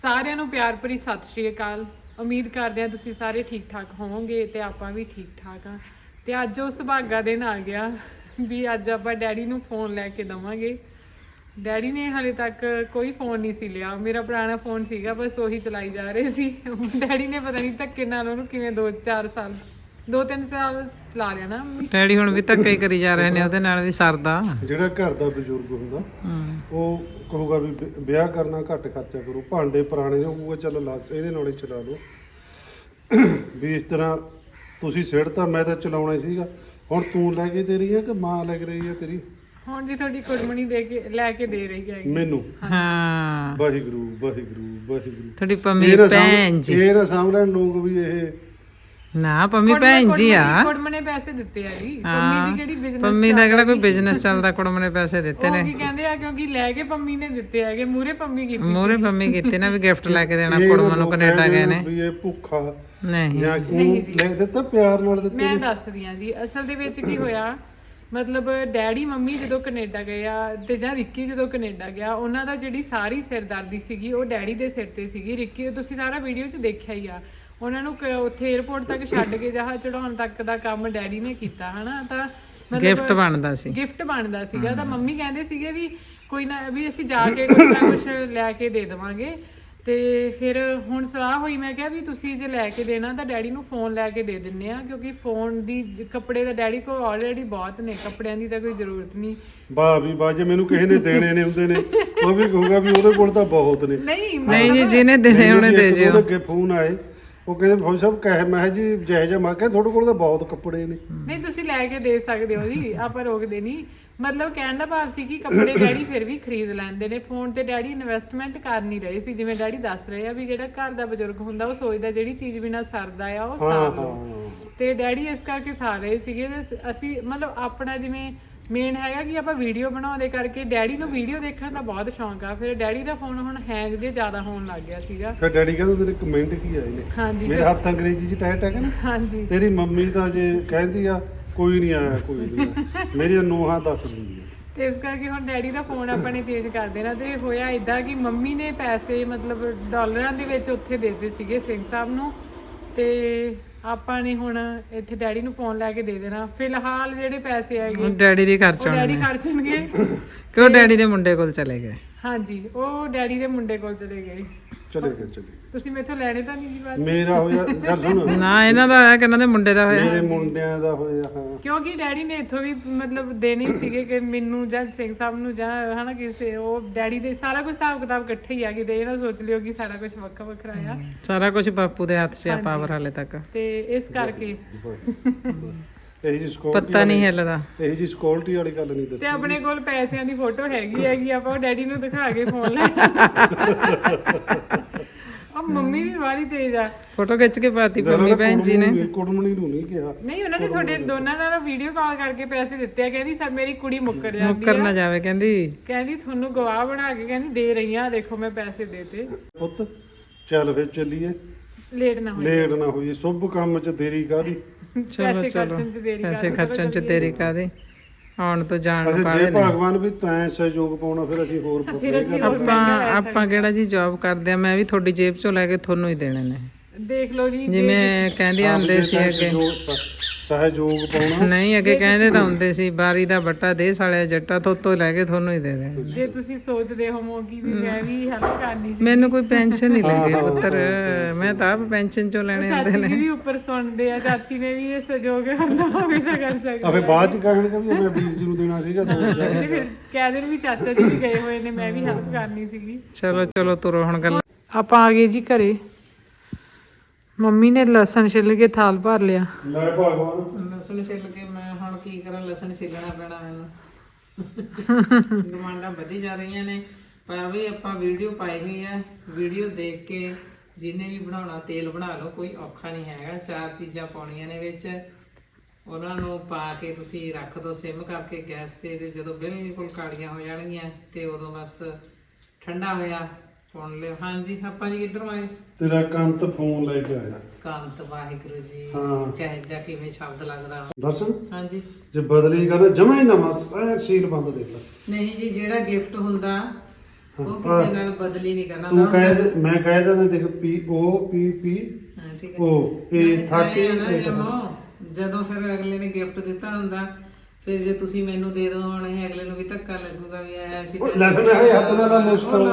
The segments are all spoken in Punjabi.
ਸਾਰਿਆਂ ਨੂੰ ਪਿਆਰ ਭਰੀ ਸਤਿ ਸ਼੍ਰੀ ਅਕਾਲ। ਉਮੀਦ ਕਰਦੇ ਹਾਂ ਤੁਸੀਂ ਸਾਰੇ ਠੀਕ ਠਾਕ ਹੋਵੋਗੇ ਤੇ ਆਪਾਂ ਵੀ ਠੀਕ ਠਾਕ ਆ। ਤੇ ਅੱਜ ਉਹ ਸੁਭਾਗਾ ਦਿਨ ਆ ਗਿਆ ਵੀ ਅੱਜ ਆਪਾਂ ਡੈਡੀ ਨੂੰ ਫੋਨ ਲੈ ਕੇ ਦਵਾਂਗੇ। ਡੈਡੀ ਨੇ ਹਾਲੇ ਤੱਕ ਕੋਈ ਫੋਨ ਨਹੀਂ ਸੀ ਲਿਆ। ਮੇਰਾ ਪੁਰਾਣਾ ਫੋਨ ਸੀਗਾ, ਬਸ ਉਹੀ ਚਲਾਈ ਜਾ ਰਹੇ ਸੀ। ਡੈਡੀ ਨੇ ਪਤਾ ਨਹੀਂ ਧੱਕੇ ਨਾਲ ਉਹਨੂੰ ਕਿਵੇਂ 2-3 ਸਾਲ ਚਲਾ ਲਿਆ ਨਾ। ਡੈਡੀ ਹੁਣ ਵੀ ਧੱਕੇ ਹੀ ਕਰੀ ਜਾ ਰਹੇ ਨੇ, ਉਹਦੇ ਨਾਲ ਵੀ ਸਰਦਾ। ਜਿਹੜਾ ਘਰ ਦਾ ਬਜ਼ੁਰਗ ਹੁੰਦਾ ਉਹ ਕਹੂਗਾ ਵੀ ਵਿਆਹ ਕਰਨਾ ਘੱਟ ਖਰਚਾ ਕਰੋ, ਭਾਂਡੇ ਪੁਰਾਣੇ ਹੋਊਗਾ ਚੱਲ ਲਾ ਇਹਦੇ ਨਾਲ ਹੀ ਚਲਾ ਲਓ। ਵੀ ਇਸ ਤਰ੍ਹਾਂ ਤੁਸੀਂ ਸਿੱੜਤਾ, ਮੈਂ ਤਾਂ ਚਲਾਉਣਾ ਹੀ ਸੀਗਾ। ਹੁਣ ਤੂੰ ਲੈ ਕੇ ਦੇ ਰਹੀ ਹੈ ਕਿ ਮਾਂ ਲੈ ਕੇ ਰਹੀ ਹੈ ਤੇਰੀ? ਹੁਣ ਜੀ ਤੁਹਾਡੀ ਕੁੜਮਣੀ ਦੇ ਕੇ ਲੈ ਕੇ ਦੇ ਰਹੀ ਹੈ ਮੈਨੂੰ। ਹਾਂ, ਵਾਹਿਗੁਰੂ ਵਾਹਿਗੁਰੂ ਵਾਹਿਗੁਰੂ। ਤੁਹਾਡੀ ਪੰਮੀ ਭੈਣ ਜੀ। ਇਹ ਨਾ ਸਮਝ ਲੈਣ ਲੋਕ ਵੀ ਇਹ ਨਾ ਪੰਮੀ ਭੈਣ ਜੀ ਆ। ਕੁੜਮ ਨੇ ਪੈਸੇ ਦਿੱਤੇ ਆ ਜੀ। ਪੰਮੀ ਦੀ ਕਿਹੜੀ ਬਿਜ਼ਨਸ, ਪੰਮੀ ਦਾ ਕਿਹੜਾ ਕੋਈ ਬਿਜ਼ਨਸ ਚੱਲਦਾ, ਕੁੜਮ ਨੇ ਪੈਸੇ ਦਿੱਤੇ ਨੇ। ਉਹ ਕੀ ਕਹਿੰਦੇ ਆ, ਕਿਉਂਕਿ ਲੈ ਕੇ ਪੰਮੀ ਨੇ ਦਿੱਤੇ ਹੈਗੇ, ਮੂਰੇ ਪੰਮੀ ਕੀਤੀ। ਮੂਰੇ ਪੰਮੀ ਕੀਤੀ ਨਾ ਵੀ ਗਿਫਟ ਲੈ ਕੇ ਦੇਣਾ ਕੁੜਮ ਨੂੰ, ਕੈਨੇਡਾ ਗਏ ਨੇ। ਵੀ ਇਹ ਭੁੱਖਾ ਨਹੀਂ ਜਾਂ ਲੈ ਦਿੱਤਾ, ਪਿਆਰ ਨਾਲ ਦਿੱਤੇ। ਮੈਂ ਦੱਸਦੀ ਆ ਜੀ ਅਸਲ ਦੇ ਵਿੱਚ ਕੀ ਹੋਇਆ। ਮਤਲਬ ਡੈਡੀ ਮੰਮੀ ਜਦੋਂ ਕੈਨੇਡਾ ਗਏ ਆ ਤੇ ਜਾਂ ਰਿੱਕੀ ਜਦੋਂ ਕੈਨੇਡਾ ਗਿਆ, ਉਹਨਾਂ ਦਾ ਜਿਹੜੀ ਸਾਰੀ ਸਿਰਦਰਦੀ ਸੀਗੀ ਉਹ ਡੈਡੀ ਦੇ ਸਿਰ ਤੇ ਸੀਗੀ। ਰਿੱਕੀ ਤੁਸੀਂ ਸਾਰਾ ਵੀਡੀਓ 'ਚ ਦੇਖਿਆ ਹੀ ਆ। ਉਹਨਾਂ ਨੂੰ ਉੱਥੇ 에어ਪੋਰਟ ਤੱਕ ਛੱਡ ਕੇ ਜਹਾਜ਼ ਚੜਾਉਣ ਤੱਕ ਦਾ ਕੰਮ ਡੈਡੀ ਨੇ ਕੀਤਾ ਹਨਾ। ਤਾਂ ਗਿਫਟ ਬਣਦਾ ਸੀ, ਗਿਫਟ ਬਣਦਾ ਸੀਗਾ। ਤਾਂ ਮੰਮੀ ਕਹਿੰਦੇ ਸੀਗੇ ਵੀ ਕੋਈ ਨਾ, ਵੀ ਅਸੀਂ ਜਾ ਕੇ ਕੁਛ ਨਾ ਕੁਛ ਲੈ ਕੇ ਦੇ ਦੇਵਾਂਗੇ। ਤੇ ਫਿਰ ਹੁਣ ਸਲਾਹ ਹੋਈ, ਮੈਂ ਕਿਹਾ ਵੀ ਤੁਸੀਂ ਜੇ ਲੈ ਕੇ ਦੇਣਾ ਤਾਂ ਡੈਡੀ ਨੂੰ ਫੋਨ ਲੈ ਕੇ ਦੇ ਦਿੰਨੇ ਆ, ਕਿਉਂਕਿ ਫੋਨ ਦੀ ਕੱਪੜੇ ਤਾਂ ਡੈਡੀ ਕੋਲ ਆਲਰੇਡੀ ਬਹੁਤ ਨੇ, ਕੱਪੜਿਆਂ ਦੀ ਤਾਂ ਕੋਈ ਜ਼ਰੂਰਤ ਨਹੀਂ। ਵਾਹ ਵੀ ਵਾਹ, ਜੇ ਮੈਨੂੰ ਕਿਸੇ ਨੇ ਦੇਣੇ ਨੇ ਹੁੰਦੇ ਨੇ ਉਹ ਵੀ ਕਹੂਗਾ ਵੀ ਉਹਦੇ ਕੋਲ ਤਾਂ ਬਹੁਤ ਨੇ। ਨਹੀਂ ਜੀ, ਜਿਹਨੇ ਦੇਣੇ ਉਹਨੇ ਦੇ ਜਿਓ। ਉਹਦੇ ਅੱਗੇ ਫੋਨ ਆਏ, ਉਹ ਕਹਿੰਦੇ ਫੌਜੀ ਸਾਹਿਬ ਕਹੇ, ਮੈਂ ਜੀ ਜੈ ਜੈ, ਮੈਂ ਕਿਹਾ ਤੁਹਾਡੇ ਕੋਲ ਤਾਂ ਬਹੁਤ ਕੱਪੜੇ ਨੇ। ਨਹੀਂ ਤੁਸੀਂ ਲੈ ਕੇ ਦੇ ਸਕਦੇ ਹੋ ਜੀ, ਆਪਾਂ ਰੋਕਦੇ ਨਹੀਂ। ਮਤਲਬ ਕਹਿਣ ਦਾ ਭਾਵ ਸੀ ਕਿ ਕੱਪੜੇ ਡੈਡੀ ਫਿਰ ਵੀ ਖਰੀਦ ਲੈਂਦੇ ਨੇ। ਫੋਨ ਤੇ ਡੈਡੀ ਇਨਵੈਸਟਮੈਂਟ ਕਰ ਨਹੀਂ ਰਹੇ ਸੀ। ਜਿਵੇਂ ਡੈਡੀ ਦੱਸ ਰਹੇ ਆ ਵੀ ਜਿਹੜਾ ਘਰ ਦਾ ਬਜ਼ੁਰਗ ਹੁੰਦਾ ਉਹ ਸੋਚਦਾ ਜਿਹੜੀ ਚੀਜ਼ ਬਿਨਾਂ ਸਰਦਾ ਆ ਉਹ ਸਾਰ ਲਓ, ਤੇ ਡੈਡੀ ਇਸ ਕਰਕੇ ਸਾਰ ਰਹੇ ਸੀਗੇ। ਅਸੀਂ ਮਤਲਬ ਆਪਣਾ ਜਿਵੇਂ ਮੇਨ ਹੈਗਾ ਕਿ ਆਪਾਂ ਵੀਡੀਓ ਬਣਾਉਂਦੇ ਕਰਕੇ ਡੈਡੀ ਨੂੰ ਵੀਡੀਓ ਦੇਖਣ ਦਾ ਬਹੁਤ ਸ਼ੌਂਕ ਆ। ਫਿਰ ਡੈਡੀ ਦਾ ਫੋਨ ਹੁਣ ਹੈਂਗ ਜੇ ਜ਼ਿਆਦਾ ਹੋਣ ਲੱਗ ਗਿਆ ਸੀਗਾ। ਫਿਰ ਡੈਡੀ ਕਹਿੰਦਾ ਤੇਰੇ ਕਮੈਂਟ ਕੀ ਆਏ ਨੇ? ਹਾਂਜੀ, ਮੇਰੇ ਹੱਥ ਅੰਗਰੇਜ਼ੀ 'ਚ ਟੈਟ ਹੈਗਾ ਨਾ। ਹਾਂਜੀ, ਤੇਰੀ ਮੰਮੀ ਤਾਂ ਜੇ ਕਹਿੰਦੀ ਆ ਕੋਈ ਨਹੀਂ ਆਇਆ, ਕੋਈ ਨਹੀਂ ਆਇਆ, ਮੇਰੀਆਂ ਨੂੰਹਾਂ ਦੱਸ ਦਿੰਦੀਆਂ। ਤੇ ਇਸ ਕਰਕੇ ਹੁਣ ਡੈਡੀ ਦਾ ਫੋਨ ਆਪਾਂ ਨੇ ਚੇਂਜ ਕਰ ਦੇਣਾ। ਤੇ ਹੋਇਆ ਇਦਾਂ ਕਿ ਮੰਮੀ ਨੇ ਪੈਸੇ ਮਤਲਬ ਡਾਲਰਾਂ ਦੇ ਵਿੱਚ ਉੱਥੇ ਦੇ ਦਿੱਤੇ ਸੀਗੇ ਸਿੰਘ ਸਾਹਿਬ ਨੂੰ, ਤੇ ਆਪਾਂ ਨੇ ਹੁਣ ਇੱਥੇ ਡੈਡੀ ਨੂੰ ਫੋਨ ਲੈ ਕੇ ਦੇ ਦੇਣਾ। ਫਿਲਹਾਲ ਜਿਹੜੇ ਪੈਸੇ ਆਏਗੇ ਡੈਡੀ ਦੀ ਉਹ ਖਰਚਣ ਡੈਡੀ ਖਰਚਣਗੇ, ਕਿਉਂ ਡੈਡੀ ਦੇ ਮੁੰਡੇ ਕੋਲ ਚਲੇ ਗਏ। ਹਾਂਜੀ, ਉਹ ਡੈਡੀ ਦੇ ਮੁੰਡੇ ਕੋਲ ਚਲੇ ਗਏ। ਚਲੇ ਗਏ। ਤੁਸੀਂ ਮੈਥੋਂ ਲੈਣੇ ਤਾਂ ਨਹੀਂ ਜੀ ਬਾਅਦ? ਮੇਰਾ ਹੋਇਆ ਗੱਲ ਸੁਣ, ਨਾ ਇਹਨਾਂ ਦਾ ਹੋਇਆ ਕਿ ਇਹਨਾਂ ਦੇ ਮੁੰਡੇ ਦਾ ਹੋਇਆ। ਮੇਰੇ ਮੁੰਡਿਆਂ ਦਾ ਹੋਇਆ। ਹਾਂ, ਕਿਉਂਕਿ ਡੈਡੀ ਨੇ ਇੱਥੋਂ ਵੀ ਮਤਲਬ ਦੇਣੇ ਸੀਗੇ ਕਿ ਮੈਨੂੰ ਜਾਂ ਸਿੰਘ ਸਾਹਿਬ ਨੂੰ ਜਾਂ ਹਨਾ ਕਿਸੇ, ਉਹ ਡੈਡੀ ਦੇ ਸਾਰਾ ਕੁਝ ਹਿਸਾਬ ਕਿਤਾਬ ਇਕੱਠੇ ਹੀ ਆ। ਕਿਤੇ ਇਹ ਨਾ ਸੋਚ ਲਿਓ ਕਿ ਸਾਰਾ ਕੁਝ ਵੱਖਰਾ ਵੱਖਰਾ ਆ। ਸਾਰਾ ਕੁਝ ਬਾਪੂ ਦੇ ਹੱਥ 'ਚ ਆ, ਪਾਵਰ ਹਾਲੇ ਤੱਕ। ਤੇ ਇਸ ਕਰਕੇ ਇਹੀ ਜੀ ਸਿਕਿਉਰਿਟੀ ਪਤਾ ਨਹੀਂ ਹਿੱਲਦਾ। ਇਹੀ ਜੀ ਸਿਕਿਉਰਿਟੀ ਵਾਲੀ ਗੱਲ ਨਹੀਂ ਦੱਸੀ। ਤੇ ਆਪਣੇ ਕੋਲ ਪੈਸਿਆਂ ਦੀ ਫੋਟੋ ਹੈਗੀ ਆਪਾਂ ਉਹ ਡੈਡੀ ਨੂੰ ਦਿਖਾ ਕੇ ਫੋਨ ਲੈ। ਉਹ ਮੰਮੀ ਵੀ ਵਾਲੀ ਤੇਜ਼ ਆ, ਫੋਟੋ ਖਿੱਚ ਕੇ ਪਾਤੀ ਪੰਮੀ ਭੈਣ ਜੀ ਨੇ। ਕੁੜਮਣੀ ਨੂੰ ਨਹੀਂ ਕਿਹਾ। ਨਹੀਂ, ਉਹਨਾਂ ਨੇ ਤੁਹਾਡੇ ਦੋਨਾਂ ਨਾਲ ਵੀਡੀਓ ਕਾਲ ਕਰਕੇ ਪੈਸੇ ਦਿੱਤੇ ਆ। ਕਹਿੰਦੀ ਸਰ ਮੇਰੀ ਕੁੜੀ ਮੁੱਕਰ ਜਾਂਦੀ ਮੁੱਕਰ ਨਾ ਜਾਵੇ, ਕਹਿੰਦੀ ਤੁਹਾਨੂੰ ਗਵਾਹ ਬਣਾ ਕੇ ਕਹਿੰਦੀ ਦੇ ਰਹੀ ਆ, ਦੇਖੋ ਮੈਂ ਪੈਸੇ ਦੇਤੇ। ਪੁੱਤ ਚੱਲ ਫਿਰ ਚੱਲੀਏ, ਲੇਟ ਨਾ ਹੋਈ, ਲੇਟ ਨਾ ਹੋਈਏ। ਸ਼ੁਭ ਕੰਮ 'ਚ ਦੇਰੀ ਕਾਹਦੀ? ਚਲੋ ਚਲੋ, ਪੈਸੇ ਖਰਚਣ 'ਚ ਦੇਰੀ ਕਾਹਦੀ, ਆਉਣ ਤੋਂ ਜਾਣ ਨੂੰ ਜੇ ਕਾਹਲੇ ਨੇ। ਭਗਵਾਨ ਵੀ ਤੈਂ ਸਹਿਯੋਗ ਪਾਉਣਾ, ਫਿਰ ਅਸੀਂ ਹੋਰ ਆਪਾਂ ਕਿਹੜਾ ਜੀ ਜੌਬ ਕਰਦੇ ਆ। ਮੈਂ ਵੀ ਤੁਹਾਡੀ ਜੇਬ 'ਚੋਂ ਲੈ ਕੇ ਤੁਹਾਨੂੰ ਹੀ ਦੇਣੇ ਨੇ। ਦੇਖ ਲਓ ਜੀ, ਜਿਵੇਂ ਕਹਿੰਦੇ ਹੁੰਦੇ ਸੀ ਅੱਗੇ, ਸਹਿਯੋਗ ਪਾਉਣਾ ਨਹੀਂ ਅੱਗੇ ਕਹਿੰਦੇ ਤਾਂ ਹੁੰਦੇ ਸੀ ਬਾਰੀ ਦਾ ਬੱਟਾ ਦੇ ਸਾਲਿਆ ਜੱਟਾ, ਤੋਤੋਂ ਲੈ ਕੇ ਤੁਹਾਨੂੰ ਹੀ ਦੇ ਦੇਣੇ। ਜੇ ਤੁਸੀਂ ਸੋਚਦੇ ਹੋਵੋ ਕਿ ਵੀ ਮੈਂ ਵੀ ਹੈਲਪ ਕਰਨੀ ਸੀ। ਮੈਨੂੰ ਕੋਈ ਪੈਨਸ਼ਨ ਨਹੀਂ ਲੱਗੀ ਪੁੱਤਰ, ਮੈਂ ਤਾਂ ਆਪ ਪੈਨਸ਼ਨ 'ਚੋਂ ਲੈਣੇ ਹੁੰਦੇ ਚਾਚੀ ਵੀ ਉੱਪਰ ਸੁਣਦੇ ਆ, ਚਾਚੀ ਨੇ ਵੀ ਇਹ ਸਹਿਯੋਗ ਕਰਨਾ ਹੋਵੇ ਤਾਂ ਕਰ ਸਕਦੇ। ਆ ਫਿਰ ਬਾਅਦ 'ਚ ਕਹਿਣਗੇ ਵੀ ਮੈਂ ਵੀਰ ਜੀ ਨੂੰ ਦੇਣਾ ਸੀਗਾ 2000। ਤੇ ਫਿਰ ਕਹਿ ਦੇਣ ਵੀ ਚਾਚਾ ਜੀ ਵੀ ਗਏ ਹੋਏ ਨੇ, ਮੈਂ ਵੀ ਹੈਲਪ ਕਰਨੀ ਸੀਗੀ। ਚਲੋ ਚਲੋ ਤੁਰੋ ਹੁਣ ਗੱਲ। ਆਪਾਂ ਆ ਗਏ ਜੀ ਘਰੇ। ਮੰਮੀ ਨੇ ਲਸਣ ਛਿੱਲ ਕੇ ਥਾਲ ਭਰ ਲਿਆ। ਲੈ ਭਗਵਾਨ, ਲਸਣ ਛਿੱਲ ਕੇ ਮੈਂ ਹੁਣ ਕੀ ਕਰਾਂ, ਲਸਣ ਛਿੱਲਣਾ ਪੈਣਾ ਮੈਨੂੰ। ਡਿਮਾਂਡਾਂ ਵਧੀ ਜਾ ਰਹੀਆਂ ਨੇ, ਪਰ ਵੀ ਆਪਾਂ ਵੀਡੀਓ ਪਾਈ ਹੋਈ ਆ। ਵੀਡੀਓ ਦੇਖ ਕੇ ਜਿਹਨੇ ਵੀ ਬਣਾਉਣਾ ਤੇਲ ਬਣਾ ਲਓ, ਕੋਈ ਔਖਾ ਨਹੀਂ ਹੈਗਾ। 4 ਚੀਜ਼ਾਂ ਪਾਉਣੀਆਂ ਨੇ ਵਿੱਚ, ਉਹਨਾਂ ਨੂੰ ਪਾ ਕੇ ਤੁਸੀਂ ਰੱਖ ਦਿਓ ਸਿਮ ਕਰਕੇ ਗੈਸ ਤੇ। ਜਦੋਂ ਬਿਲਕੁਲ ਕਾਲੀਆਂ ਹੋ ਜਾਣਗੀਆਂ ਤੇ ਉਦੋਂ ਬਸ ਠੰਡਾ ਹੋਇਆ ਸੁਣ ਲਿਓ। ਹਾਂਜੀ ਆਪਾਂ ਜੀ ਕਿੱਧਰੋਂ ਆਏ? ਤੇਰਾ ਕੰਤ ਫੋਨ ਲੈ ਕੇ ਆਇਆ। ਕੰਤ, ਵਾਹਿਗੁਰੂ ਜੀ, ਹਾਂ। ਕਹਿ ਜਾ ਕਿਵੇਂ ਸ਼ਬਦ ਲੱਗਦਾ। ਦੱਸ, ਹਾਂਜੀ, ਜੇ ਬਦਲੀ ਕਰ ਜਮਾ ਹੀ ਨਵਾਂ ਸੀਲ ਬੰਦ ਦੇਖ ਲੈ। ਨਹੀਂ ਜੀ, ਜਿਹੜਾ ਗਿਫਟ ਹੁੰਦਾ ਉਹ ਕਿਸੇ ਨਾਲ ਬਦਲੀ ਨਹੀਂ ਕਰਨਾ ਤੂੰ ਮੈਂ ਕਹਿ ਦਿੰਦਾ ਦੇਖ POPP ਹਾਂ ਠੀਕ ਹੈ ਉਹ ਇਹ 30 ਜਦੋਂ ਫਿਰ ਅਗਲੇ ਨੇ ਗਿਫਟ ਦਿੱਤਾ ਹੁੰਦਾ ਫਿਰ ਜੇ ਤੁਸੀਂ ਮੈਨੂੰ ਦੇ ਦੋ ਹੁਣ ਇਹ ਅਗਲੇ ਨੂੰ ਵੀ ਧੱਕਾ ਲੱਗੂਗਾ ਵੀ ਐ ਅਸੀਂ ਲਸਣ ਇਹ ਹੱਥ ਨਾਲ ਮੁਸ਼ਕਲ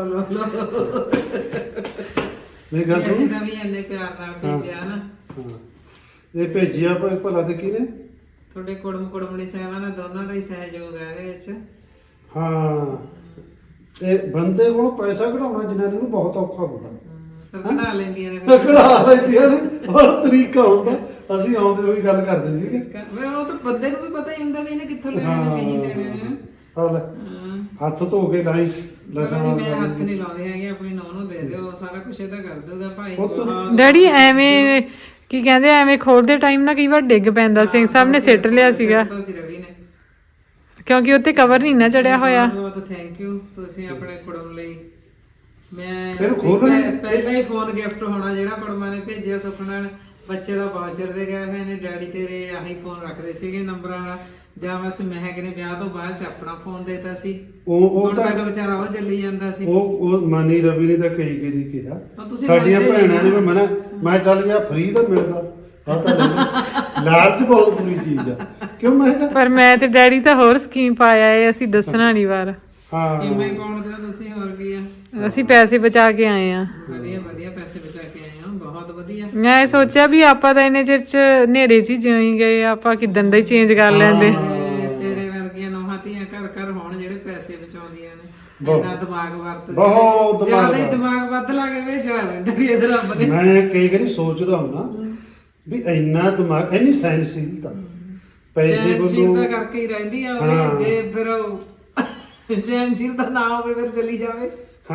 ਮੇਰੀ ਗੱਲ ਸੁਣ ਅਸੀਂ ਤਾਂ ਵੀ ਇੰਨੇ ਪਿਆਰ ਨਾਲ ਭੇਜਿਆ ਨਾ ਹਾਂ ਇਹ ਭੇਜਿਆ ਭਲਾ ਤੇ ਕਿਹਨੇ ਤੁਹਾਡੇ ਕੁੜਮਣੀ ਸਾਹਿਬਾਂ ਨਾਲ ਦੋਨਾਂ ਦਾ ਹੀ ਸਹਿਯੋਗ ਹੈ ਇਹਦੇ ਵਿੱਚ ਹਾਂ ਤੇ ਬੰਦੇ ਕੋਲ ਪੈਸਾ ਕਢਾਉਣਾ ਜਨਾਨੀ ਨੂੰ ਬਹੁਤ ਔਖਾ ਹੁੰਦਾ ਫਿਰ ਬਣਾ ਲੈਂਦੀਆਂ ਨੇ ਕਢਾ ਲੈਂਦੀਆਂ ਨੇ ਹੋਰ ਤਰੀਕਾ ਹੁੰਦਾ ਅਸੀਂ ਆਉਂਦੇ ਹੋਈ ਗੱਲ ਕਰਦੇ ਸੀਗੇ ਉਹ ਤਾਂ ਬੰਦੇ ਨੂੰ ਵੀ ਪਤਾ ਹੀ ਹੁੰਦਾ ਵੀ ਇਹਨੇ ਕਿੱਥੋਂ ਲੈਣੇ ਨੇ ਕਹੀਂ ਲੈਣੇ ਨੇ ਹਾਂ ਲੈ ਹੱਥ ਧੋ ਕੇ ਲਾਈ ਲਸਣ ਮੈਂ ਹੱਥ ਨਹੀਂ ਲਾਉਂਦੇ ਹੈਗੇ ਆਪਣੀ ਨੌਂ ਨੂੰ ਦੇ ਦਿਓ ਸਾਰਾ ਕੁਝ ਇਹਦਾ ਕਰ ਦੂਗਾ ਭਾਈ ਡੈਡੀ ਐਵੇਂ ਕੀ ਕਹਿੰਦੇ ਐਵੇਂ ਖੋਲਦੇ ਟਾਈਮ ਨਾ ਕਈ ਵਾਰ ਡਿੱਗ ਪੈਂਦਾ ਸਿੰਘ ਸਾਹਿਬ ਨੇ ਸਿੱਟ ਲਿਆ ਸੀਗਾ ਰਵੀ ਨੇ ਕਿਉਂਕਿ ਉੱਤੇ ਕਵਰ ਨਹੀਂ ਨਾ ਚੜਿਆ ਹੋਇਆ ਬਹੁਤ ਥੈਂਕ ਯੂ ਤੁਸੀਂ ਆਪਣੇ ਕੁੜਮ ਲਈ ਮੈਂ ਫਿਰ ਖੋਲਣੇ ਪਹਿਲਾਂ ਹੀ ਫੋਨ ਗਿਫਟ ਹੋਣਾ ਜਿਹੜਾ ਕੁੜਮਾਂ ਨੇ ਭੇਜਿਆ ਸੁਪਨਾ ਬੱਚੇ ਦਾ ਵਾਊਚਰ ਦੇ ਗਏ ਹੋਏ ਨੇ ਡੈਡੀ ਤੇਰੇ ਆਹੀ ਫੋਨ ਰੱਖਦੇ ਸੀਗੇ ਨੰਬਰਾਂ ਵਾਲਾ ਜਾਂ ਬਸ ਮਹਿਕ ਨੇ ਵਿਆਹ ਤੋਂ ਬਾਅਦ ਚ ਆਪਣਾ ਫੋਨ ਦੇਤਾ ਸੀ ਉਹ ਤਾਂ ਵਿਚਾਰਾ ਉਹ ਚੱਲੀ ਜਾਂਦਾ ਸੀ ਉਹ ਮਨੀ ਰਵੀ ਨੇ ਤਾਂ ਕਈ ਕਈ ਕਿਹਾ ਤੁਸੀਂ ਸਾਡੀਆਂ ਭੈਣਾਂ ਨੇ ਵੀ ਮਨਾ ਮੈਂ ਚੱਲ ਗਿਆ ਫ੍ਰੀ ਤਾਂ ਮਿਲਦਾ ਆ ਤਾਂ ਲਾਲਚ ਬਹੁਤ ਬੁਰੀ ਚੀਜ਼ ਆ ਕਿਉਂ ਮੈਂ ਕਿਹਾ ਪਰ ਮੈਂ ਤੇ ਡੈਡੀ ਤਾਂ ਹੋਰ ਸਕੀਮ ਪਾਇਆ ਏ ਅਸੀਂ ਦੱਸਣਾ ਨਹੀਂ ਵਾਰ ਹਾਂ ਕਿਵੇਂ ਪਾਉਣ ਦੇ ਤੁਸੀਂ ਹੋਰ ਕੀ ਆ ਅਸੀਂ ਪੈਸੇ ਬਚਾ ਕੇ ਆਏ ਆ ਵਧੀਆ ਵਧੀਆ ਪੈਸੇ ਬਚਾ ਕੇ ਆਏ ਹਾਂ ਬਹੁਤ ਵਧੀਆ ਮੈਂ ਸੋਚਿਆ ਵੀ ਆਪਾਂ ਤਾਂ ਇਹਨੇ ਚਿਰ ਚ ਹਨੇਰੇ ਚ ਹੀ ਜਿਉਂ ਗਏ ਆਪਾਂ ਕਿਦਾਂ ਦਾ ਹੀ ਚੇਂਜ ਕਰ ਲੈਂਦੇ ਤੇਰੇ ਵਰਗੀਆਂ ਨੌਹਾਂ ਧੀਆਂ ਘਰ ਘਰ ਹੋਣ ਜਿਹੜੇ ਪੈਸੇ ਬਚਾਉਂਦੀਆਂ ਨੇ ਇੰਨਾ ਦਿਮਾਗ ਵਰਤਦੇ ਬਹੁਤ ਜਿਆਦਾ ਹੀ ਦਿਮਾਗ ਵੱਧ ਲੱਗੇ ਵੇ ਡੈਡੀ ਇਹਦੇ ਰੱਬ ਨੇ ਮੈਂ ਕਈ ਵਾਰੀ ਸੋਚਦਾ ਹੁੰਦਾ ਵੀ ਇੰਨਾ ਦਿਮਾਗ ਇੰਨੀ ਸਹਿਨਸ਼ੀਲਤਾ ਪੈਸੇ ਸਹਿਨਸ਼ੀਲਤਾ ਕਰਕੇ ਹੀ ਰਹਿੰਦੀ ਆ ਉਹ ਜੇ ਫਿਰ ਸਹਿਨਸ਼ੀਲਤਾ ਨਾ ਹੋਵੇ ਫਿਰ ਚਲੀ ਜਾਵੇ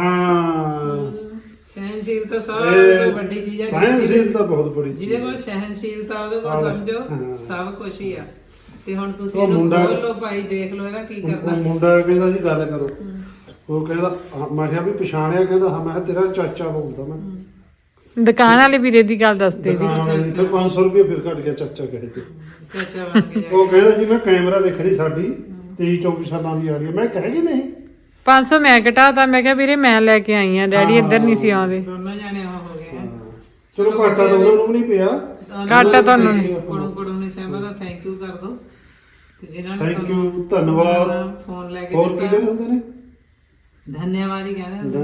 ਹਾਂ ਸਹਿਨਸ਼ੀਲਤਾ ਸਭ ਤੋਂ ਵੱਡੀ ਚੀਜ਼ ਹੈ ਸਹਿਨਸ਼ੀਲਤਾ ਬਹੁਤ ਬੜੀ ਚੀਜ਼ ਜਿਹਦੇ ਕੋਲ ਸਹਿਨਸ਼ੀਲਤਾ ਉਹਦੇ ਕੋਲ ਸਮਝੋ ਸਭ ਕੁਝ ਹੀ ਆ ਤੇ ਹੁਣ ਤੁਸੀਂ ਇਹਨੂੰ ਖੋਲ ਲਓ ਭਾਈ ਦੇਖ ਲਓ ਇਹਦਾ ਕੀ ਕਰਨਾ ਮੁੰਡਾ ਕਹਿੰਦਾ ਜੀ ਗੱਲ ਕਰੋ ਉਹ ਕਹਿੰਦਾ ਮੈਂ ਕਿਹਾ ਵੀ ਪਛਾਣਿਆ ਕਹਿੰਦਾ ਹਾਂ ਮੈਂ ਕਿਹਾ ਤੇਰਾ ਚਾਚਾ ਬੋਲਦਾ ਮੈਂ ਦੁਕਾਨ ਵਾਲੇ ਵੀਰੇ ਦੀ ਗੱਲ ਦੱਸਦੇ ਜੀ ਫਿਰ 500 ਰੁਪਏ ਫਿਰ ਘਟ ਗਿਆ ਚਾਚਾ ਕਹੇ ਤੇ ਚਾਚਾ ਬਣ ਕੇ ਉਹ ਕਹਿੰਦਾ ਜੀ ਮੈਂ ਕੈਮਰਾ ਦੇਖ ਰਹੀ ਸਾਡੀ 23-24 ਸਾਲਾਂ ਦੀ ਆ ਰਹੀ ਹੈ ਮੈਂ ਕਹਿ ਗਈ ਨਹੀਂ 500 ਮੈਂ ਘਟਾਤਾ ਮੈਂ ਕਿਹਾ ਵੀਰੇ ਮੈਂ ਲੈ ਕੇ ਆਈ ਆ ਡੈਡੀ ਇੱਧਰ ਨਹੀਂ ਸੀ ਆਉਂਦੇ ਦੋਨੋਂ ਜਾਣੇ ਉਹ ਹੋ ਗਏ ਚਲੋ ਘਾਟਾ ਤਾਂ ਉਹਨਾਂ ਨੂੰ ਨਹੀਂ ਪਿਆ ਘਾਟਾ ਤੁਹਾਨੂੰ ਕੁੜਮ ਨੇ ਸਹਿਮਾ ਦਾ ਥੈਂਕ ਯੂ ਕਰ ਦੋ ਤੇ ਜਿਨ੍ਹਾਂ ਨੇ ਥੈਂਕ ਯੂ ਧੰਨਵਾਦ ਫੋਨ ਲੈ ਕੇ ਹੋਰ ਕੀ ਕਹਿੰਦੇ ਹੁੰਦੇ ਨੇ धन्यवाद ही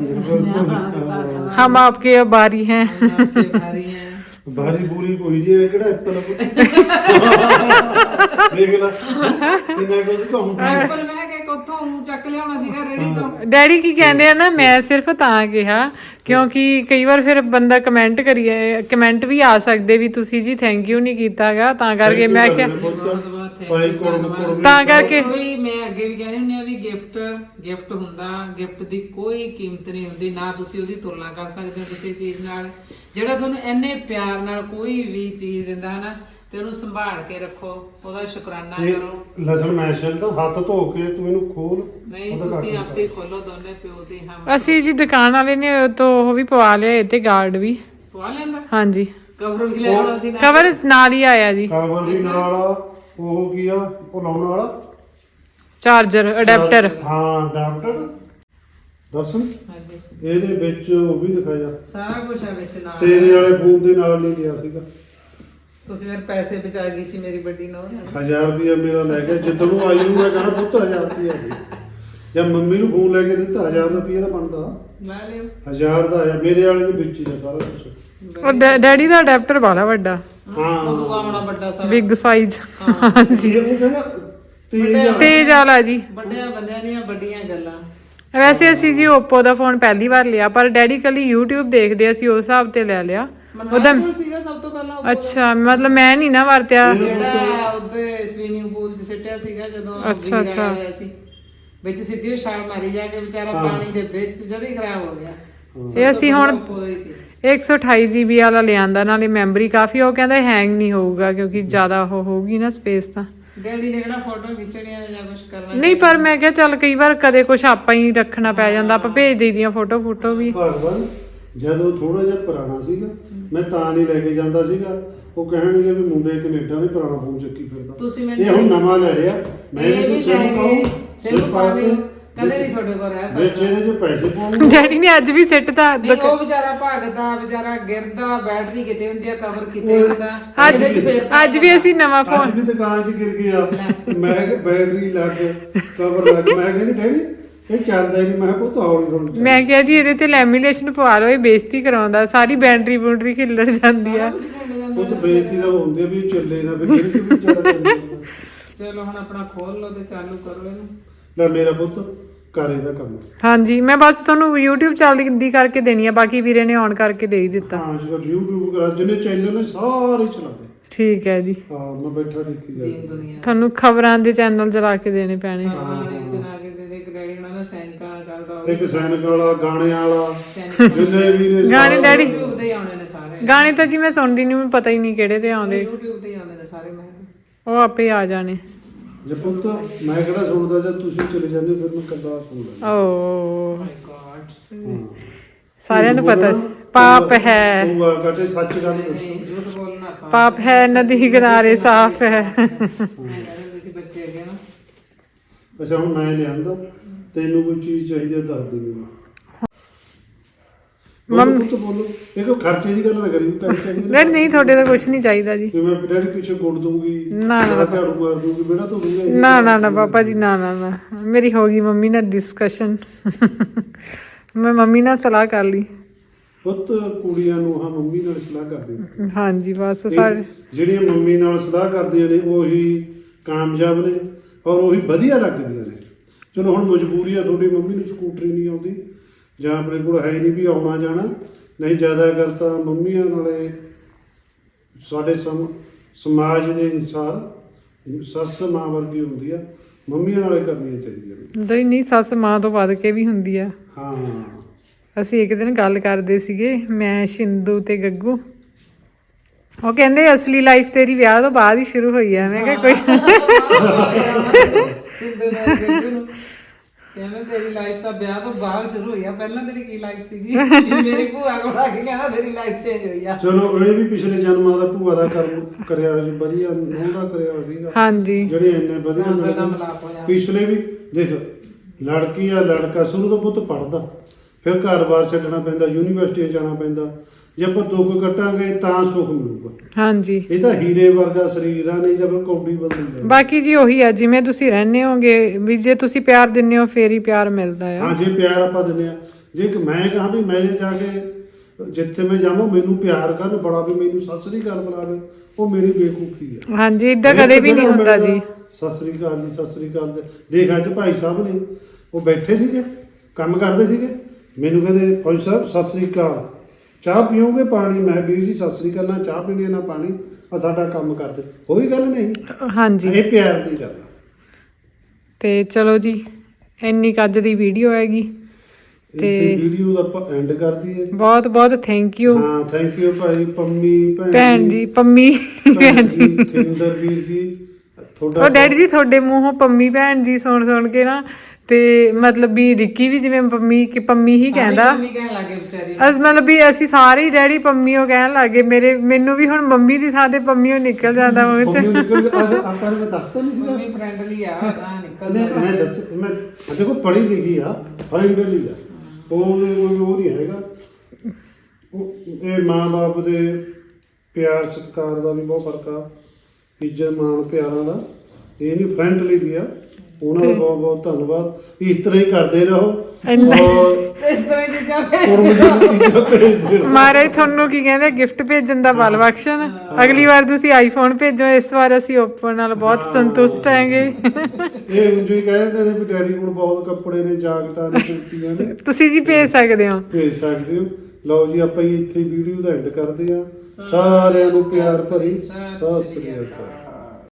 कहना हम आपके आभारी हैं भारी है ਬਾਰੀ ਬੂਰੀ ਕੋਈ ਜੀ ਇਹ ਕਿਹੜਾ ਐਪਲ ਦੇਖ ਲੈ ਕਿੰਨਾ ਕੁਝ ਕਹੂੰ ਪਰ ਮੈਂ ਕਿ ਕੋਥੋਂ ਚੱਕ ਲਿਆਉਣਾ ਸੀਗਾ ਰੇੜੀ ਤੋਂ ਡੈਡੀ ਕੀ ਕਹਿੰਦੇ ਆ ਨਾ ਮੈਂ ਸਿਰਫ ਤਾਂ ਕਿਹਾ ਕਿਉਂਕਿ ਕਈ ਵਾਰ ਫਿਰ ਬੰਦਾ ਕਮੈਂਟ ਵੀ ਆ ਸਕਦੇ ਵੀ ਤੁਸੀਂ ਜੀ ਥੈਂਕ ਯੂ ਨਹੀਂ ਕੀਤਾਗਾ ਤਾਂ ਕਰਕੇ ਮੈਂ ਕਿਹਾ ਭਾਈ ਕੋੜ ਤਾਂ ਕਰਕੇ ਕੋਈ ਮੈਂ ਅੱਗੇ ਵੀ ਕਹਿੰਦੀ ਹੁੰਦੀ ਆ ਵੀ ਗਿਫਟ ਹੁੰਦਾ ਗਿਫਟ ਦੀ ਕੋਈ ਕੀਮਤ ਨਹੀਂ ਹੁੰਦੀ ਨਾ ਤੁਸੀਂ ਉਹਦੀ ਤੁਲਨਾ ਕਰ ਸਕਦੇ ਹੋ ਕਿਸੇ ਚੀਜ਼ ਨਾਲ ਜਿਹੜਾ ਤੁਹਾਨੂੰ ਇੰਨੇ ਪਿਆਰ ਨਾਲ ਕੋਈ ਵੀ ਚੀਜ਼ ਦਿੰਦਾ ਹੈ ਨਾ ਤੇ ਉਹਨੂੰ ਸੰਭਾਲ ਕੇ ਰੱਖੋ ਉਹਦਾ ਸ਼ੁਕਰਾਨਾ ਕਰੋ ਲਸਣ ਮੈਸ਼ਲ ਤਾਂ ਹੱਥ ਧੋ ਕੇ ਤੂੰ ਇਹਨੂੰ ਖੋਲ ਨਹੀਂ ਤੁਸੀਂ ਆਪੇ ਖੋਲੋ ਦੋਨੇ ਪਿਓ ਤੇ ਹਮ ਅਸੀਂ ਜੀ ਦੁਕਾਨ ਵਾਲੇ ਨੇ ਤੋਂ ਉਹ ਵੀ ਪਵਾ ਲਿਆ ਤੇ ਗਾਰਡ ਵੀ ਪਵਾ ਲੈਂਦਾ ਹਾਂਜੀ ਕਵਰ ਵੀ ਲੈ ਆਉਣਾ ਸੀ ਨਾ ਕਵਰ ਨਾਲ ਹੀ ਆਇਆ ਜੀ ਕਵਰ ਵੀ ਨਾਲ ਉਹ ਕੀ ਆ ਉਹ ਲਾਉਣ ਵਾਲਾ ਚਾਰਜਰ ਅਡਾਪਟਰ ਹਾਂ ਅਡਾਪਟਰ ਦੱਸ ਹਾਂਜੀ ਇਹਦੇ ਵਿੱਚ ਉਹ ਵੀ ਦਿਖਾਇਆ ਸਾਰਾ ਕੁਝ ਆ ਵਿੱਚ ਨਾਲ ਤੇਰੇ ਵਾਲੇ ਫੋਨ ਦੇ ਨਾਲ ਨਹੀਂ ਲਿਆ ਸੀਗਾ ਤੁਸੀਂ ਮੇਰੇ ਪੈਸੇ ਬਚਾ ਗਈ ਸੀ ਮੇਰੀ ਵੱਡੀ ਨੌਂ 1000 ਰੁਪਇਆ ਮੇਰਾ ਲੈ ਕੇ ਜਿੱਦੋਂ ਨੂੰ ਆਈ ਨੂੰ ਮੈਂ ਕਹਣਾ ਪੁੱਤ 1000 ਰੁਪਇਆ ਜਾਂ ਮੰਮੀ ਨੂੰ ਫੋਨ ਲੈ ਕੇ ਦਿੱਤਾ 1000 ਰੁਪਇਆ ਦਾ ਬਣਦਾ ਲੈ ਲਿਓ 1000 ਦਾ ਆਇਆ ਮੇਰੇ ਵਾਲੇ ਦੇ ਵਿੱਚ ਹੀ ਆ ਸਾਰਾ ਕੁਝ ਉਹ ਡੈਡੀ ਦਾ ਅਡਾਪਟਰ ਵਾਲਾ ਵੱਡਾ ਹਾਂ ਉਹ ਆਉਣਾ ਵੱਡਾ ਸਾਰਾ ਬਿਗ ਸਾਈਜ਼ ਜੀ ਉਹ ਕਹਿੰਦਾ ਤੇਜ਼ ਵਾਲਾ ਜੀ ਵੱਡਿਆਂ ਬੰਦਿਆਂ ਦੀਆਂ ਵੱਡੀਆਂ ਗੱਲਾਂ ਵੈਸੇ ਅਸੀਂ ਜੀ Oppo ਦਾ ਫੋਨ ਪਹਿਲੀ ਵਾਰ ਲਿਆ ਪਰ ਡੈਡੀ ਕੱਲੀ YouTube ਦੇਖਦੇ ਅਸੀਂ ਉਸ ਹਿਸਾਬ ਤੇ ਲੈ ਲਿਆ ਉਹਦਾ ਸੀਗਾ ਸਭ ਤੋਂ ਪਹਿਲਾਂ ਅੱਛਾ ਮਤਲਬ ਮੈਂ ਨਹੀਂ ਨਾ ਵਰਤਿਆ ਜਿਹੜਾ ਉਹਦੇ ਸਵੀਮਿੰਗ ਪੂਲ 'ਚ ਸਿੱਟਿਆ ਸੀਗਾ ਜਦੋਂ ਵੀਰਾ ਆਇਆ ਸੀ ਵਿੱਚ ਸਿੱਧੀ ਉਹ ਛਾਲ ਮਾਰੀ ਜਾ ਕੇ ਵਿਚਾਰਾ ਪਾਣੀ ਦੇ ਵਿੱਚ ਜਦ ਹੀ ਖਰਾਬ ਹੋ ਗਿਆ ਇਹ ਅਸੀਂ ਹੁਣ 128 GB ਵਾਲਾ ਲਿਆਂਦਾ ਨਾਲੇ ਮੈਮਰੀ ਕਾਫੀ ਉਹ ਕਹਿੰਦਾ ਹੈਂਗ ਨਹੀਂ ਹੋਊਗਾ ਕਿਉਂਕਿ ਜ਼ਿਆਦਾ ਉਹ ਹੋਊਗੀ ਨਾ ਸਪੇਸ ਤਾਂ ਡੈਡੀ ਨੇ ਕਿਹੜਾ ਫੋਟੋ ਖਿੱਚਣੀਆਂ ਜਾਂ ਕੁਝ ਕਰਨਾ ਨਹੀਂ ਪਰ ਮੈਂ ਕਿਹਾ ਚੱਲ ਕਈ ਵਾਰ ਕਦੇ ਕੁਝ ਆਪਾਂ ਹੀ ਰੱਖਣਾ ਪੈ ਜਾਂਦਾ ਆਪਾਂ ਭੇਜ ਦੇਈਦੀਆਂ ਫੋਟੋ ਵੀ ਭਗਵਾਨ ਜਦੋਂ ਥੋੜਾ ਜਿਹਾ ਪੁਰਾਣਾ ਸੀਗਾ ਮੈਂ ਤਾਂ ਨਹੀਂ ਲੈ ਕੇ ਜਾਂਦਾ ਸੀਗਾ ਉਹ ਕਹਿਣਗੇ ਵੀ ਮੁੰਡੇ ਕੈਨੇਡਾ ਨੇ ਪੁਰਾਣਾ ਫੋਨ ਚੱਕੀ ਫਿਰਦਾ ਤੁਸੀਂ ਇਹ ਹੁਣ ਨਵਾਂ ਲੈ ਰਿਹਾ ਮੈਂ ਇਹਨੂੰ ਸਿਮ ਪਾ ਕੇ ਕਦੇ ਨਹੀਂ ਤੁਹਾਡੇ ਕੋਲ ਰਹਿ ਵਿੱਚ ਸਕਦਾ। ਇਹਦੇ 'ਚ ਪੈਸੇ ਪਾਉਣੇ ਡੈਡੀ ਨੇ ਅੱਜ ਵੀ ਸਿੱਟ ਤਾਂ ਨਹੀਂ ਉਹ ਵਿਚਾਰਾ ਭਗਦਾ, ਵਿਚਾਰਾ ਗਿਰਦਾ, ਬੈਟਰੀ ਕਿਤੇ ਹੁੰਦੀ ਆ, ਕਵਰ ਕਿਤੇ ਹੁੰਦਾ। ਅੱਜ ਇਹਦੇ 'ਚ ਫਿਰ ਅੱਜ ਵੀ ਅਸੀਂ ਨਵਾਂ ਫੋਨ ਅੱਜ ਵੀ ਦੁਕਾਨ 'ਚ ਗਿਰ ਗਿਆ ਮੈਂ ਕਿਹਾ ਬੈਟਰੀ ਲੱਗ ਕਵਰ ਲੱਗ ਮੈਂ ਕਹਿੰਦੀ ਡੈਡੀ ਇਹ ਚੱਲਦਾ ਹੀ ਨਹੀਂ ਮੈਂ ਕਿਹਾ ਪੁੱਤ ਹੌਲੀ ਹੌਲੀ ਮੈਂ ਕਿਹਾ ਜੀ ਇਹਦੇ ਤੇ ਲੈਮੀਨੇਸ਼ਨ ਪਵਾ ਲਓ, ਇਹ ਬੇਇੱਜ਼ਤੀ ਕਰਾਉਂਦਾ, ਸਾਰੀ ਬੈਟਰੀ ਬੂਟਰੀ ਖਿੱਲਰ ਜਾਂਦੀ ਆ। ਉਹ ਤਾਂ ਬੇਇੱਜ਼ਤੀ ਦਾ ਹੁੰਦੀ ਆ ਵੀ ਇਹ ਚੱਲੇ ਨਾ ਵੀ ਫਿਰ ਕਿਉਂ ਚੱਲਦਾ ਚਲੋ ਹੁਣ ਆਪਣਾ ਖੋਲ ਲਓ ਤੇ ਚਾਲੂ ਕਰੋ ਇਹਨੂੰ। ਲੈ ਮੇਰਾ ਪੁੱਤ ਕਰ ਇਹਦਾ ਕੰਮ ਹਾਂਜੀ ਮੈਂ ਬਸ ਤੁਹਾਨੂੰ YouTube ਚੱਲਦੀ ਕਰਕੇ ਦੇਣੀ ਆ, ਬਾਕੀ ਵੀਰੇ ਨੇ ਔਨ ਕਰਕੇ ਦੇ ਹੀ ਦਿੱਤਾ। ਹਾਂ ਜਿਹੜਾ YouTube ਕਰਾ ਜਿਹਨੇ ਚੈਨਲ ਨੇ ਸਾਰੇ ਚਲਾ ਦੇ ਠੀਕ ਹੈ ਜੀ, ਹਾਂ ਮੈਂ ਬੈਠਾ ਦੇਖੀ ਦੀਨ ਜਾਂਦਾ ਦੁਨੀਆ ਤੁਹਾਨੂੰ ਖਬਰਾਂ ਦੇ ਚੈਨਲ ਚਲਾ ਕੇ ਦੇਣੇ ਪੈਣੇ। ਹਾਂ ਇਹ ਚਲਾ ਕੇ ਦੇ ਦੇ। ਇੱਕ ਡੈਡੀ ਉਹਨਾਂ ਦਾ ਸੈਨਿਕਾਂ ਦਾ ਚੱਲਦਾ ਉਹ ਇੱਕ ਸੈਨਿਕ ਵਾਲਾ ਗਾਣਿਆਂ ਵਾਲਾ ਸੈਨਿਕ ਜਿੰਨੇ ਵੀ ਨੇ ਗਾਣੇ ਡੈਡੀ YouTube ਤੇ ਹੀ ਆਉਣੇ ਨੇ ਸਾਰੇ। ਗਾਣੇ ਤਾਂ ਜੀ ਮੈਂ ਸੁਣਦੀ ਨਹੀਂ, ਮੈਨੂੰ ਪਤਾ ਹੀ ਨਹੀਂ ਕਿਹੜੇ ਤੇ ਆਉਂਦੇ, YouTube ਤੇ ਹੀ ਆਉਂਦੇ ਨੇ ਸਾਰੇ। ਮੈਂ ਉਹ ਆਪੇ ਆ ਜਾਣੇ। ਜੇ ਪੁੱਤ ਮੈਂ ਕਿਹੜਾ ਸੁਣਦਾ ਜਦ ਤੁਸੀਂ ਚਲੇ ਜਾਂਦੇ ਫਿਰ ਮੈਂ ਕੱਲਾ ਸੁਣ ਲੈਂਦਾ ਓ ਮਾਈ ਗॉड ਹਾਂ ਸਾਰਿਆਂ ਨੂੰ ਪਤਾ ਸੀ ਪਾਪ ਹੈ, ਤੂੰ ਆ ਕਹਤੇ ਸੱਚ ਗੱਲ ਦੱਸ ਨਹੀਂ ਝੂਠ ਬੋਲਣਾ ਆਪਾਂ। ਪਾਪ ਹੈ ਨਦੀ ਕਿਨਾਰੇ ਸਾਫ਼ ਹੈ। ਕਹਿੰਦੇ ਤੁਸੀਂ ਬੱਚੇ ਹੈਗੇ ਨਾ। ਅੱਛਾ ਹੁਣ ਮੈਂ ਲਿਆਂਦਾ ਤੈਨੂੰ ਕੋਈ ਚੀਜ਼ ਚਾਹੀਦੀ ਹੈ ਦੱਸ ਦੇ ਮੈਨੂੰ ਮੰਮ ਪੁੱਤ ਬੋਲੋ ਇਹ ਕੋਈ ਖਰਚੇ ਦੀ ਗੱਲ ਨਾ ਕਰੀ ਪੈਸੇ ਚਾਹੀਦੇ ਡੈਡੀ ਨਹੀਂ ਤੁਹਾਡੇ ਤਾਂ ਕੁਝ ਨਹੀਂ ਚਾਹੀਦਾ ਜੀ। ਤੇ ਮੈਂ ਡੈਡੀ ਪਿੱਛੇ ਗੁੜ ਦੂੰਗੀ ਨਾ, ਨਾ, ਜਾਂ ਝਾੜੂ ਮਾਰ ਦੂੰਗੀ ਬੇਟਾ ਤੂੰ ਦੂੰਗਾ ਨਾ ਨਾ ਨਾ ਪਾਪਾ ਜੀ, ਨਾ ਨਾ ਨਾ ਮੇਰੀ ਹੋ ਗਈ ਮੰਮੀ ਨਾਲ ਡਿਸਕਸ਼ਨ। ਮੈਂ ਮੰਮੀ ਨਾਲ ਸਲਾਹ ਕਰ ਲਈ। ਪੁੱਤ ਕੁੜੀਆਂ ਨੂੰ ਹਾਂ ਮੰਮੀ ਨਾਲ ਸਲਾਹ ਕਰਦੇ ਹਾਂਜੀ ਬਸ ਸਾਰੇ ਜਿਹੜੀਆਂ ਮੰਮੀ ਨਾਲ ਸਲਾਹ ਕਰਦੀਆਂ ਨੇ ਉਹੀ ਕਾਮਯਾਬ ਨੇ ਔਰ ਉਹੀ ਵਧੀਆ ਲੱਗਦੀਆਂ ਨੇ। ਚਲੋ ਹੁਣ ਮਜਬੂਰੀ ਆ ਤੁਹਾਡੀ ਮੰਮੀ ਨੂੰ ਸਕੂਟਰੀ ਨਹੀਂ ਆਉਂਦੀ ਜਾਂ ਆਪਣੇ ਕੋਲ ਹੈ ਨਹੀਂ ਵੀ ਆਉਣਾ ਜਾਣਾ, ਨਹੀਂ ਜ਼ਿਆਦਾ ਕਰਤਾ ਮੰਮੀਆਂ ਨਾਲੇ ਸਾਡੇ ਸਮਾਜ ਦੇ ਅਨੁਸਾਰ ਸੱਸ ਮਾਂ ਵਰਗੀ ਹੁੰਦੀ ਆ, ਮੰਮੀਆਂ ਨਾਲੇ ਕਰਨੀਆਂ ਚਾਹੀਦੀਆਂ ਨੇ। ਨਹੀਂ ਸੱਸ ਮਾਂ ਤੋਂ ਵੱਧ ਕੇ ਵੀ ਹੁੰਦੀ ਆ। ਹਾਂ ਅਸੀਂ ਇੱਕ ਦਿਨ ਗੱਲ ਕਰਦੇ ਸੀਗੇ ਮੈਂ, ਸ਼ਿੰਦੂ ਤੇ ਗੱਗੂ, ਉਹ ਕਹਿੰਦੇ ਅਸਲੀ ਲਾਈਫ ਤੇਰੀ ਵਿਆਹ ਤੋਂ ਬਾਅਦ ਹੀ ਸ਼ੁਰੂ ਹੋਈ ਆ। ਮੈਂ ਕਿਹਾ ਕੋਈ ਕਹਿੰਦਾ ਤੇਰੀ ਲਾਈਫ ਤਾਂ ਵਿਆਹ ਤੋਂ ਬਾਅਦ ਸ਼ੁਰੂ ਹੋਈ ਆ, ਪਹਿਲਾਂ ਤੇਰੀ ਕੀ ਲਾਈਫ ਸੀਗੀ? ਮੇਰੀ ਭੂਆ ਕੋਲ ਆ ਕੇ ਕਹਿੰਦਾ ਤੇਰੀ ਲਾਈਫ ਚੇਂਜ ਹੋਈ ਆ। ਚਲੋ ਇਹ ਵੀ ਪਿਛਲੇ ਜਨਮਾਂ ਦਾ ਭੂਆ ਦਾ ਕਰਮ ਕਰਿਆ ਹੋਇਆ ਸੀ, ਵਧੀਆ ਉਹਦਾ ਕਰਿਆ ਹੋਇਆ ਸੀਗਾ ਹਾਂਜੀ ਜਿਹੜੇ ਇੰਨੇ ਵਧੀਆ ਦਾ ਮਿਲੇ। ਮਲਾਪ ਹੋਇਆ। ਪਿਛਲੇ ਵੀ ਦੇਖ ਲੜਕੀ ਆ ਲੜਕਾ ਸ਼ੁਰੂ ਤੋਂ ਪੁੱਤ ਪੜਦਾ, ਫਿਰ ਘਰ-ਬਾਰ ਛੱਡਣਾ ਪੈਂਦਾ, ਯੂਨੀਵਰਸਿਟੀ ਜਾਣਾ ਪੈਂਦਾ। ਜੇ ਆਪਾਂ ਦੁੱਖ ਕੱਟਾਂਗੇ ਤਾਂ ਸੁੱਖ ਮਿਲੂਗਾ। ਹਾਂਜੀ ਇਹ ਤਾਂ ਹੀਰੇ ਵਰਗਾ ਸਰੀਰ ਆ, ਨਹੀਂ ਤਾਂ ਫਿਰ ਕੌਡੀ ਬਦਲ ਜਾਂਦਾ। ਬਾਕੀ ਜੀ ਉਹੀ ਆ ਜਿਵੇਂ ਤੁਸੀਂ ਰਹਿੰਦੇ ਹੋਗੇ ਵੀ, ਜੇ ਤੁਸੀਂ ਪਿਆਰ ਦਿੰਦੇ ਹੋ ਫੇਰ ਹੀ ਪਿਆਰ ਮਿਲਦਾ ਆ। ਹਾਂ ਜੇ ਪਿਆਰ ਆਪਾਂ ਦਿੰਦੇ ਆ, ਜੇ ਕਿ ਮੈਂ ਕਹਾਂ ਵੀ ਮੈਂ ਜਾ ਕੇ ਜਿੱਥੇ ਮੈਂ ਜਾਵਾਂ ਮੈਨੂੰ ਪਿਆਰ ਕਰਨ ਬੜਾ ਵੀ ਮੈਨੂੰ ਸਤਿ ਸ੍ਰੀ ਅਕਾਲ ਬੁਲਾਵੇ, ਉਹ ਮੇਰੀ ਬੇਵਕੂਫੀ ਆ। ਹਾਂਜੀ ਇਦਾਂ ਕਦੇ ਵੀ ਨਹੀਂ ਹੁੰਦਾ ਜੀ। ਸਤਿ ਸ੍ਰੀ ਅਕਾਲ ਜੀ, ਸਤਿ ਸ੍ਰੀ ਅਕਾਲ ਜੀ। ਦੇਖ ਅੱਜ ਭਾਈ ਸਾਹਿਬ ਨੇ ਉਹ ਬੈਠੇ ਸੀਗੇ ਕੰਮ ਕਰਦੇ ਸੀਗੇ, ਮੈਨੂੰ ਕਹਿੰਦੇ ਫੌਜੀ ਸਾਹਿਬ ਸਤਿ ਸ੍ਰੀ ਅਕਾਲ, ਚਾਹ ਪੀਓਗੇ ਪਾਣੀ? ਮੈਂ ਵੀਰ ਜੀ ਸਤਿ ਸ੍ਰੀ ਅਕਾਲ, ਨਾ ਚਾਹ ਪੀਣੀ ਨਾ ਪਾਣੀ, ਆ ਸਾਡਾ ਕੰਮ ਕਰਦੇ। ਕੋਈ ਗੱਲ ਨਹੀਂ, ਹਾਂਜੀ ਇਹ ਪਿਆਰ ਦੀ ਗੱਲ ਆ। ਤੇ ਚਲੋ ਜੀ ਇੰਨੀ ਕੁ ਅੱਜ ਦੀ ਵੀਡੀਓ ਹੈਗੀ ਤੇ ਵੀਡੀਓ ਦਾ ਆਪਾਂ ਐਂਡ ਕਰ ਦਈਏ। ਬਹੁਤ ਬਹੁਤ ਥੈਂਕ ਯੂ। ਹਾਂ ਥੈਂਕ ਯੂ ਭਾਈ ਪੰਮੀ ਭੈਣ ਜੀ, ਪੰਮੀ ਭੈਣ ਜੀ, ਖਿੰਦਰ ਵੀਰ ਜੀ ਤੁਹਾਡਾ। ਉਹ ਡੈਡੀ ਜੀ ਤੁਹਾਡੇ ਮੂੰਹੋਂ ਪੰਮੀ ਭੈਣ ਜੀ ਸੁਣ ਕੇ ਨਾ, ਤੇ ਮਤਲਬ ਵੀ ਰਿੱਕੀ ਵੀ ਜਿਵੇਂ ਪੰਮੀ ਹੀ ਕਹਿੰਦਾ, ਮੰਮੀ ਕਹਿਣ ਲੱਗੇ ਵਿਚਾਰੀ। ਮਤਲਬ ਵੀ ਅਸੀਂ ਸਾਰੇ ਹੀ ਡੈਡੀ ਪੰਮੀ ਉਹ ਕਹਿਣ ਲੱਗੇ। ਮੈਨੂੰ ਵੀ ਹੁਣ ਮੰਮੀ ਦੀ ਥਾਂ ਤੇ ਪੰਮੀ ਉਹ ਨਿਕਲ ਜਾਂਦਾ ਮੂੰਹ ਚ। ਆਪਾਂ ਨੂੰ ਦੱਸਤਾ ਨਹੀਂ ਸੀਗਾ ਮੰਮੀ ਫ੍ਰੈਂਡਲੀ ਆ ਤਾਂ ਨਿਕਲ ਮੈਂ ਦੱਸ ਮੈਂ ਦੇਖੋ ਪੜ੍ਹੀ ਲਿਖੀ ਆ, ਫ੍ਰੈਂਡਲੀ ਆ, ਉਹ ਨਹੀਂ ਹੈਗਾ। ਇਹ ਮਾਂ-ਬਾਪ ਦੇ ਪਿਆਰ ਸਤਿਕਾਰ ਦਾ ਵੀ ਬਹੁਤ ਫਰਕ ਆ, ਇੱਜ਼ਤ ਮਾਣ ਪਿਆਰਾਂ ਦਾ। ਇਹ ਨਹੀਂ ਫ੍ਰੈਂਡਲੀ ਵੀ ਆ। ਉਹਨਾਂ ਦਾ ਬਹੁਤ ਬਹੁਤ ਧੰਨਵਾਦ। ਇਸ ਤਰ੍ਹਾਂ ਹੀ ਕਰਦੇ ਰਹੋ ਔਰ ਇਸ ਤਰ੍ਹਾਂ ਦੀ ਚੀਜ਼ਾਂ ਚੀਜ਼ਾਂ ਭੇਜਦੇ ਰਹੋ। ਮਹਾਰਾਜ ਤੁਹਾਨੂੰ ਕੀ ਕਹਿੰਦੇ ਗਿਫਟ ਭੇਜਣ ਦਾ ਬਲ ਬਖਸ਼ਣ। ਅਗਲੀ ਵਾਰ ਤੁਸੀਂ ਆਈਫੋਨ ਭੇਜੋ, ਇਸ ਵਾਰ ਅਸੀਂ ਓਪਨ ਨਾਲ ਬਹੁਤ ਸੰਤੁਸ਼ਟ ਹੈਗੇ। ਇਹ ਉਂਝ ਹੀ ਕਹਿੰਦੇ ਨੇ ਵੀ ਡੈਡੀ ਕੋਲ ਬਹੁਤ ਕੱਪੜੇ ਨੇ, ਜਾਕਟਾਂ ਨੇ, ਕੁੜਤੀਆਂ ਨੇ, ਤੁਸੀਂ ਜੀ ਭੇਜ ਸਕਦੇ ਹੋ। ਭੇਜ ਸਕਦੇ ਹੋ। ਲਓ ਜੀ ਆਪਾਂ ਇੱਥੇ ਵੀਡੀਓ ਦਾ ਐਂਡ ਕਰਦੇ ਆ। ਸਾਰਿਆਂ ਨੂੰ ਪਿਆਰ ਭਰੀ ਸਤਿ ਸ੍ਰੀ ਅਕਾਲ।